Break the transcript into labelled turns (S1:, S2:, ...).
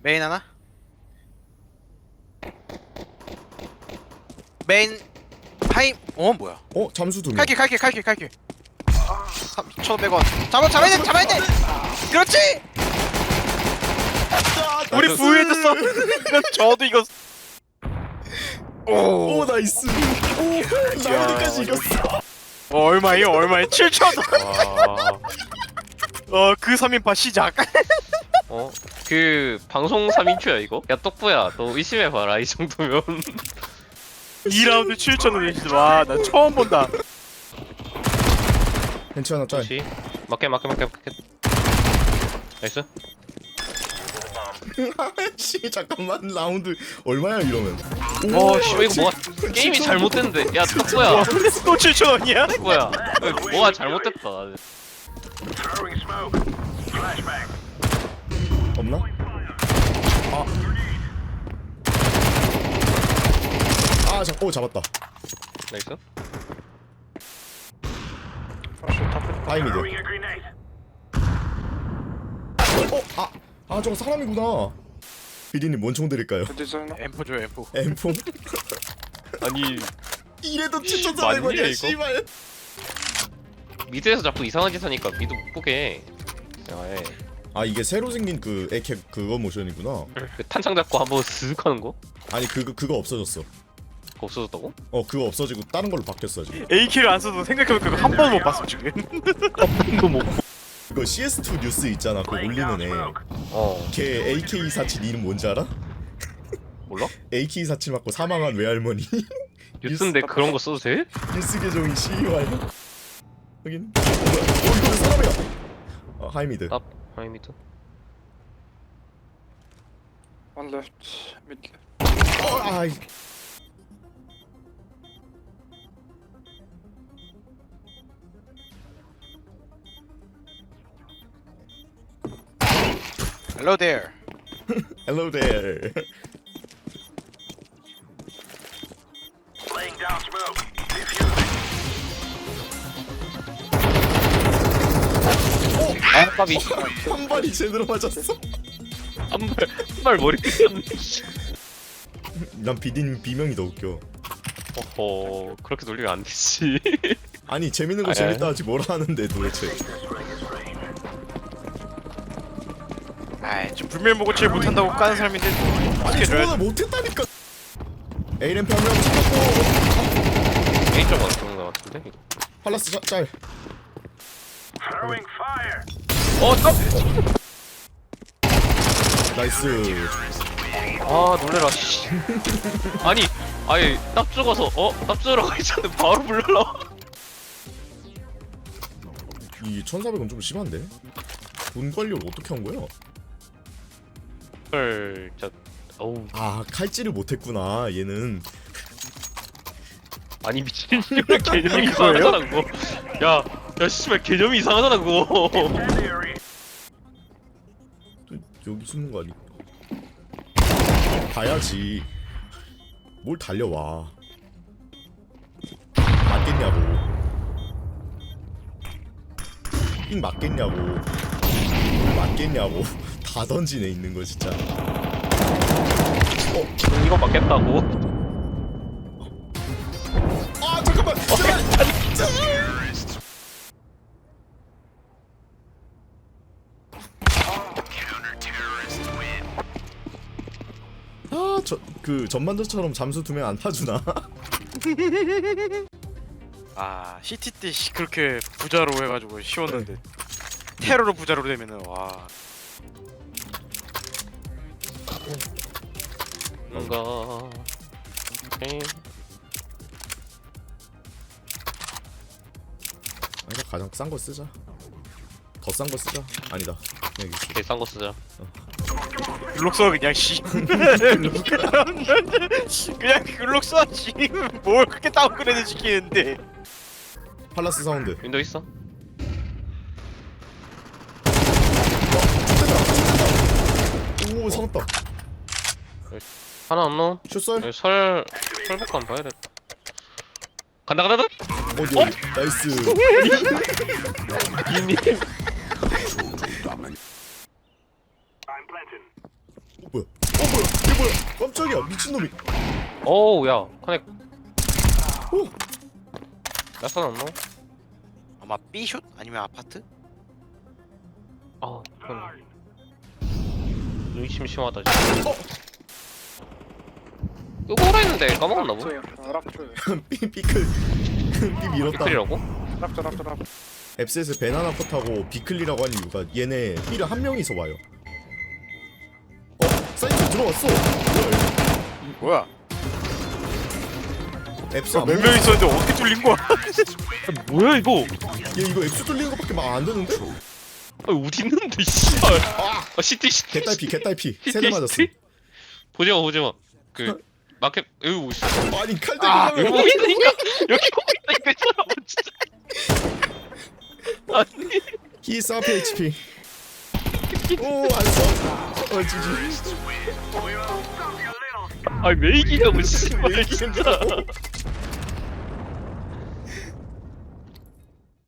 S1: 메인 하나? 메인 하임. 뭐야?
S2: 잠수 2명.
S1: 칼길 3,500원. 잡아야 돼. 그렇지. 우리 부유해졌어. 저도 이거.
S2: 오 나이스. 오 나머지까지 이겼어.
S1: 얼마예요? 7,000원. 그 3인파 시작.
S3: 그 방송 3인큐야 이거? 야 떡부야 너 의심해봐라 이 정도면
S1: 2라운드 7,000원이지. 와, 나 처음 본다.
S2: 벤치 하나 짤.
S3: 그렇지 맞게 나이스
S2: 씨 잠깐만 라운드 얼마야 이러면.
S3: 씨발 이거 뭐가 게임이 잘못됐는데 야 떡부야
S1: 또 7,000원이야?
S3: 떡부야 뭐가 잘못됐다
S2: 없나? 잡았다.
S3: 나이스
S2: 하이미드. 저거 사람이구나. 비디님 뭔 총 드릴까요?
S1: M4 줘요, M4.
S2: M4?
S3: 아니
S2: 이래도
S3: 맞냐,
S2: 7,400원이야
S3: 이거?
S2: 씨발.
S3: 미드에서 자꾸 이상한 짓 하니까 미드 못 보게 야그
S2: 이게 새로 생긴 그 에캡 그거 모션이구나.
S3: 탄창 잡고 한번 슥 하는 거?
S2: 아니 그거 없어졌어.
S3: 그거 없어졌다고?
S2: 그거 없어지고 다른 걸로 바뀌었어 지금.
S1: AK를 안 써도 생각해보면 그거 한 번 못 봤어 지금.
S3: 이거 뭐
S2: 그거 CS2 뉴스 있잖아. 그거 올리는 애. 걔 AK47 이름 뭔지 알아?
S3: 몰라?
S2: AK47 맞고 사망한 외할머니.
S3: 뉴스인데 그런 거 써도 돼?
S2: 뉴스 계정이 CUI. 확인. 이거 사람이야. 하이미드.
S3: 아이 미드
S4: One left, mid left.
S2: 아이.
S1: Hello there.
S2: Hello there.
S3: 까비
S2: 한 발이 제대로 맞았어.
S3: 한발 머리 삐었네
S2: 난 비디님 비명이 더 웃겨.
S3: 그렇게 놀리면 안 되지
S2: 아니 재밌는 거
S3: 아니,
S2: 재밌다 하지 뭐라 하는데 도대체.
S1: 저 불멸목을 못한다고 까는 사람인데 어떻게 줘야
S2: 저거는 못했다니까. A램프 한 명 잡았고.
S3: A점 같은 거 같은데?
S2: 팔라스 짤. 나이스.
S3: 놀래라 씨 아니 딱 죽어서 딱 죽으라고 했잖아 바로 불러라
S2: 이 1,400원 좀 심한데? 돈 관리를 어떻게 한 거야?
S3: 헐 진짜 어우
S2: 칼질을 못했구나 얘는.
S3: 아니 미친년의 개념이 이상하잖아 그거 야 씨발 개념이 이상하잖아 그거
S2: 또 여기 숨는 거 아니야? 봐야지. 뭘 달려와. 맞겠냐고. 잉 맞겠냐고. 맞겠냐고. 다 던지네 있는 거 진짜.
S3: 이거 맞겠다고?
S2: 잠깐만. 그 전반전처럼 잠수 2명 안 타주나?
S1: CT 때 그렇게 부자로 해가지고 쉬웠는데 테러로 부자로 되면은 와.
S3: 뭔가
S2: 아니다 가장 싼 거 쓰자. 더 싼 거 쓰자. 아니다. 그냥 이거
S3: 제일 싼거 쓰자
S1: 글록 써 그냥 씨. 그냥 글록 써 씨. 뭘 그렇게 다운그레이드 시키는데.
S2: 팔라스 사운드.
S3: 윈도우 있어?
S2: 오 살았다.
S3: 하나 안 넣어?
S2: 슛설.
S3: 설복감 봐야겠다 간다
S2: 어디 나이스.
S3: 이님
S2: 뭐야? 이게 뭐야? 깜짝이야 미친놈이.
S3: 어우 야 커넥
S2: 오.
S3: 나선 안 넣어?
S1: 아마 B슛 아니면 아파트?
S3: 아 이건 의심심하다 진짜 이거 오라 했는데 까먹었나 보
S4: 락트.
S2: 삐클 삐 밀었다.
S3: 비클이라고?
S4: 락트.
S2: 앱셋에서 베나나 컷하고 비클리라고 한 이유가 얘네 삐를 한 명이서 와요. 사이트 들어왔어. 뭐야
S1: 뭐야?
S2: 이거? 앱스 안
S1: 몇
S2: 먹-
S1: 명 있었는데 어떻게 뚫린 거야?
S3: 뭐야 이거
S2: 얘 이거 앱스 뚫리는 것밖에 막 안 되는데?
S3: 아 어디 있는데 씨발 아 시티
S2: 개딸피 세대 맞았어.
S3: 보지마 그 마켓 여기 뭐 있어
S2: 아니 칼
S3: 아
S2: 대고
S3: 여기 보고 있으니까 여기 보고 있다니까 이 사람은 진짜 아니
S2: 히스 앞에 HP. 오안 써. 지지.
S3: 아니 왜 이기냐고 씨발 진짜